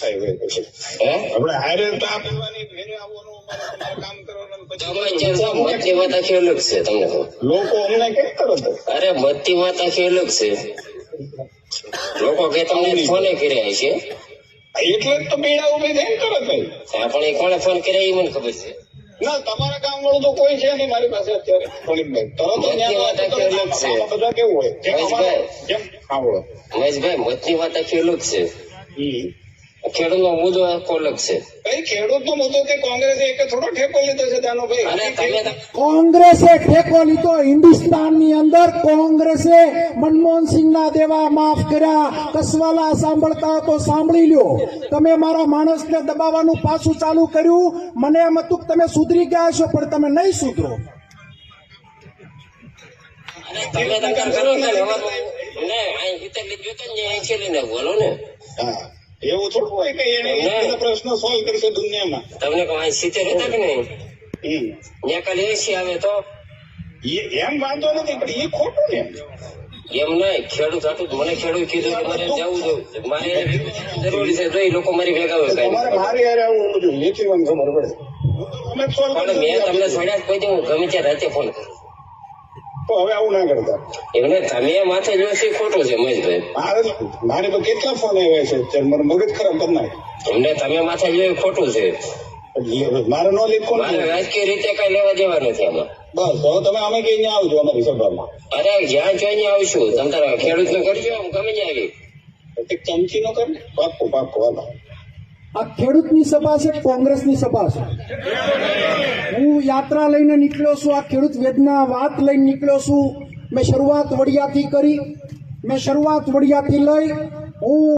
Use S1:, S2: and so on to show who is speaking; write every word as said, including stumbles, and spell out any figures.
S1: થાય હોય પછી
S2: હે
S1: આપણે હારે તો આપવાની ઘરે આવવાનું અમારે કામ કરવાનું પછી
S2: મતની વાત આખી અલગ છે તમને કહું.
S1: લોકો અમને કેમ તરત
S2: અરે મતની વાત આખી અલગ છે. લોકો કે તમને ફોને કર્યા છે
S1: એટલે જ તો પીડા ઉભી થાય ને તરત જ.
S2: પણ એ કોને ફોન કર્યા એ મને ખબર છે.
S1: ના તમારા કામ વાળું તો કોઈ છે નહીં મારી પાસે અત્યારે ફોનિકભાઈ તરત જ
S2: મતની વાત આખી અલગ છે.
S1: આમાં બધા કેવું હોય જેમ અમારે-
S2: મહેશભાઈ.
S1: જેમ સાંભળો
S2: મહેશભાઈ મતની વાત આખી અલગ છે.
S1: હમ.
S2: ખેડૂતનો મુદ્દો આખો અલગ છે.
S1: કઈ ખેડૂત નો મુદ્દો કે કોંગ્રેસે એક થોડો ઠેકો લીધો છે
S2: અને તમે
S1: દાનોભાઈ.
S3: કોંગ્રેસે ટેકો લીધો. હિન્દુસ્તાનની અંદર કોંગ્રેસે મનમોહનસિંહના દેવા માફ કર્યા. કસવાલા સાંભળતા હો તો સાંભળી લ્યો. તમે મારા માણસને દબાવવાનું પાછું ચાલુ કર્યું. મને એમ હતું કે તમે સુધરી ગયા છો, પણ તમે નહીં સુધરો.
S2: તમે તકરાર કરો ને હવારમાં ને અહીં હિતર લીધું હતું ને અહીં છેલ્લીને બોલો ને.
S1: હા એવું થોડું હોય કે એને એ બધા પ્રશ્નો સોલ્વ કરશે દુનિયામાં.
S2: તમને કહું અહીં સિત્તેર હતા કે નહીં
S1: હમ.
S2: ત્યાં કાલે એસી આવે તો
S1: એ- એમ વાંધો નથી પણ એ ખોટું ને.
S2: એમ નહીં. ખેડૂત હતું મને ખેડૂત કીધું કે મારે જવું જવું મારે જરૂરી છે તો એ લોકો મારી ભેગા હોય કઈ
S1: તમારે મારી હારે આવવું જોઈએ એથી મને ખબર પડે. અમે સોલ્વ
S2: પણ મેં તમને છોડ્યા કોઈ દી હું ગમે ત્યાં રાતે ફોન કરું.
S1: તો હવે આવું ના કરતા.
S2: એમને તમે માથે જોશો એ ખોટું છે મહેશભાઈ.
S1: મારે મારે તો કેટલા ફોન આવ્યા છે અત્યારે મારું મગજ ખરાબ કરી નાખે.
S2: એમને તમે માથે જોયું એ ખોટું છે.
S1: એટલે મારે નો લીખો
S2: મારે
S1: ને
S2: રાજકીય રીતે કઈ લેવા દેવા નથી આમાં.
S1: બસ હવે તમે અમે કઈ અહીંયા આવજો અમારી સભામાં.
S2: અરે જ્યાં જોઈને આવશું તમ તારા ખેડૂત નું કરજો હું ગમે ત્યાં આવી.
S1: એક ચમચી નો કર ને પાક્કો પાક્કો હાલો.
S3: આ ખેડૂતની સભા છે, કોંગ્રેસની સભા છે. હું યાત્રા લઈને નીકળ્યો છું. આ ખેડૂત વેદના વાત લઈને નીકળ્યો છું. મેં શરૂઆત વડિયાથી કરી. મેં શરૂઆત વડિયાથી લઈ હું